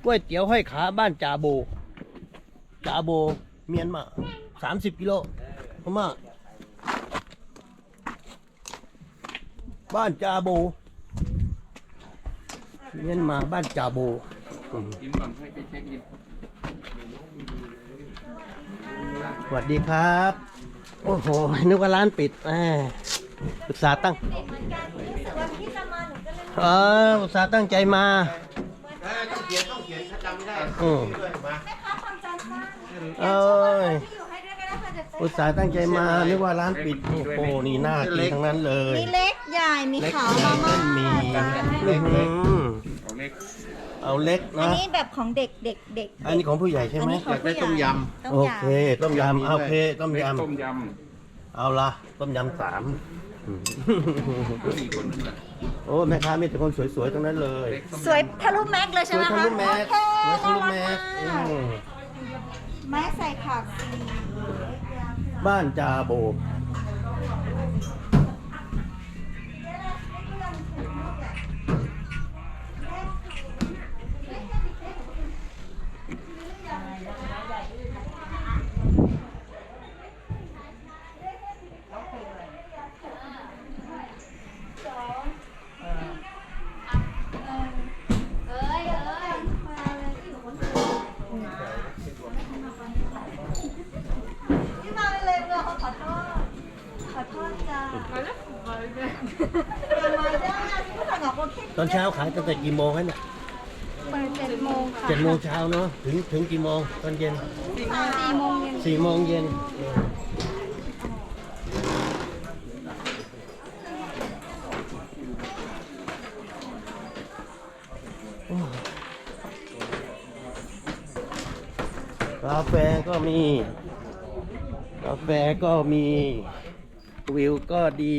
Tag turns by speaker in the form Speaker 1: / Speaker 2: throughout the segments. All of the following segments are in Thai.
Speaker 1: ก๋วยเตี๋ยวห้อยขาบ้านจาโบเมียนมา30 กิโลพม่าบ้านจาโบเมียนมาบ้านจาโบ
Speaker 2: กินก่อนให้ไปเช็คอิน
Speaker 1: สวัสดีครับโอ้โหนึกว่าร้านปิดอุตส่าห์ตั้งอุตส่าห์ตั้งใจมา
Speaker 3: ต้องเขียนถ้าจำไม่ได้
Speaker 1: เอ้ยอุตส่าห์ตั้งใจมานึกว่าร้านปิดโอ้โหนี่น่ากินทั้งนั้นเลย
Speaker 4: มีเล็กใหญ่มีขาวมาม่า
Speaker 1: มีเอาเล็ก
Speaker 4: อัน
Speaker 1: นะ
Speaker 4: นี้แบบของเด็ก
Speaker 1: อันนี้ของผู้ใหญ่ใช่ไหม
Speaker 3: อยากได้ต้มย
Speaker 1: โอเคต้มยำโอเคต้มยำเอาละต้มยำ3โอ้แม่ค้ามีแต่คนสวยๆทั้งนั้นเลย
Speaker 4: สวยทะลุแม็กเลยใช่ไหมคะ
Speaker 1: สวยทะลุแม็กสวยทะลุแม็ก
Speaker 4: แม่ใส่ผัก
Speaker 1: บ้านจาโบตอนเช้าขายตั้งแต่กี่โมงเนี่ย
Speaker 4: เปิด7 โมงค่ะ
Speaker 1: 7 โมงเช้าเนาะถึงกี่โมงตอนเย็น
Speaker 4: 4 โมงเย็น
Speaker 1: 4 โมงเย็นกาแฟก็มีวิวก็ดี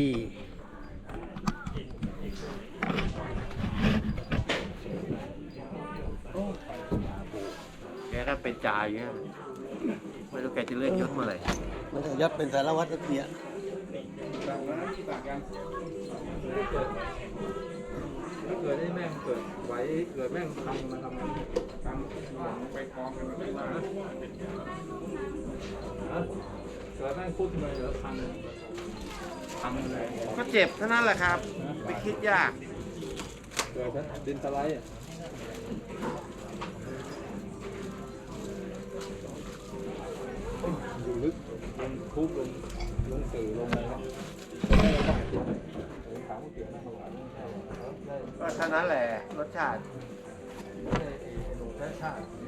Speaker 3: แกก็เป็นจ่าอย่างเงี้ยไม่รู้แกจะเลื่อนยศเมื่อไหร่
Speaker 1: มันจะยัดเป็นสารวัตรเสีย
Speaker 2: เกิดได้แม่งเกิดไว้เกิดแม่งทำมาทำไปกองกันไม่มาเกิดแม่งพูดทำไมเหรอทำอะไร
Speaker 3: ก็เจ็บเท่านั้นแหละครับไม่คิดยาก
Speaker 2: เกิดดินสไลด์อยู่ลึกลงคุกลงสื่อลงอะไรนะ
Speaker 3: ก็เท่านั้นแหละรสชาติ
Speaker 2: รสชาติ